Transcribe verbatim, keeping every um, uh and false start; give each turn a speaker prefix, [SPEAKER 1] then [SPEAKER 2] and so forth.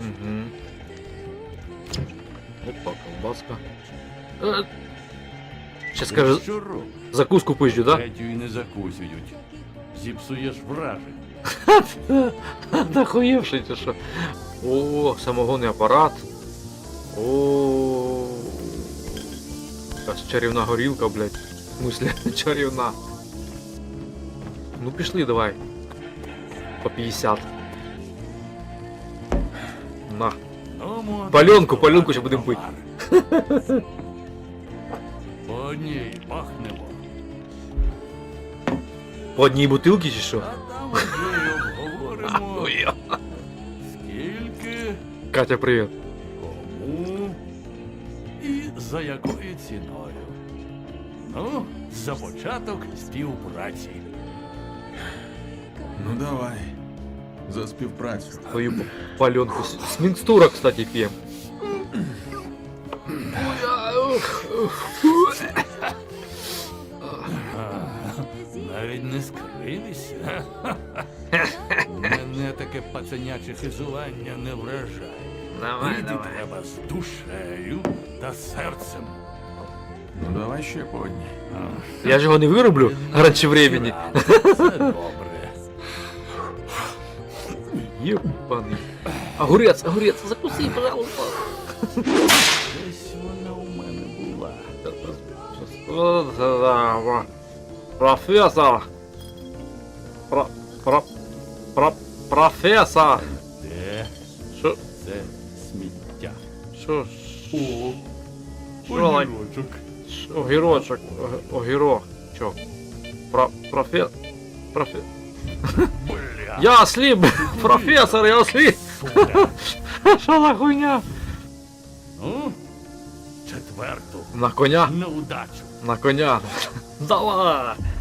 [SPEAKER 1] Угу. Опа, колбаска. Е, Ще скаже,
[SPEAKER 2] Що робиш?
[SPEAKER 1] закуску пизджу, да?
[SPEAKER 2] Третю і не закусюють. Зіпсуєш враження.
[SPEAKER 1] Нахуєвши чи що? О, самогонний апарат. О, якась чарівна горілка, блядь. В смысле, чарівна. Ну пішли, давай. По п'ятдесят. На.
[SPEAKER 2] Ну, молодець,
[SPEAKER 1] Пальонку, пальонку ще
[SPEAKER 2] товар.
[SPEAKER 1] будемо пити.
[SPEAKER 2] По одній пахнемо.
[SPEAKER 1] По одній бутилці чи що?
[SPEAKER 2] А там вже й обговоримо,
[SPEAKER 1] Ой,
[SPEAKER 2] скільки,
[SPEAKER 1] Катя, привіт.
[SPEAKER 2] кому і за якою ціною. Ну, за початок співпраці.
[SPEAKER 3] Ну давай. За співпрацю.
[SPEAKER 1] Твою пальонку. С с микстура, кстати, пьем.
[SPEAKER 2] Навіть не скривися. Мене таке пацаняче хизування не вражає.
[SPEAKER 1] Давай,
[SPEAKER 2] Пити
[SPEAKER 1] давай.
[SPEAKER 2] треба з душею та серцем.
[SPEAKER 3] Ну давай ще по одній.
[SPEAKER 1] Я ж його не вироблю раніше времени.
[SPEAKER 2] Це добре.
[SPEAKER 1] Єбаний. Огурець, огурець, закуси, пожалуйста.
[SPEAKER 2] Десь вона у мене була.
[SPEAKER 1] Вот это, во. Профессор. Про, про, про, профессор.
[SPEAKER 2] Де
[SPEAKER 1] Що,
[SPEAKER 2] це сміття?
[SPEAKER 1] що,
[SPEAKER 2] О,
[SPEAKER 1] Що, лай-
[SPEAKER 2] огірочок.
[SPEAKER 1] що, огірочок, ог- огірок. Чо? Про, профе, профе.
[SPEAKER 2] Бля,
[SPEAKER 1] Я осліп, професор, я осліп.
[SPEAKER 2] сука.
[SPEAKER 1] Що за хуйня?
[SPEAKER 2] Ну, четверту.
[SPEAKER 1] На коня,
[SPEAKER 2] На удачу.
[SPEAKER 1] на коня. Давай.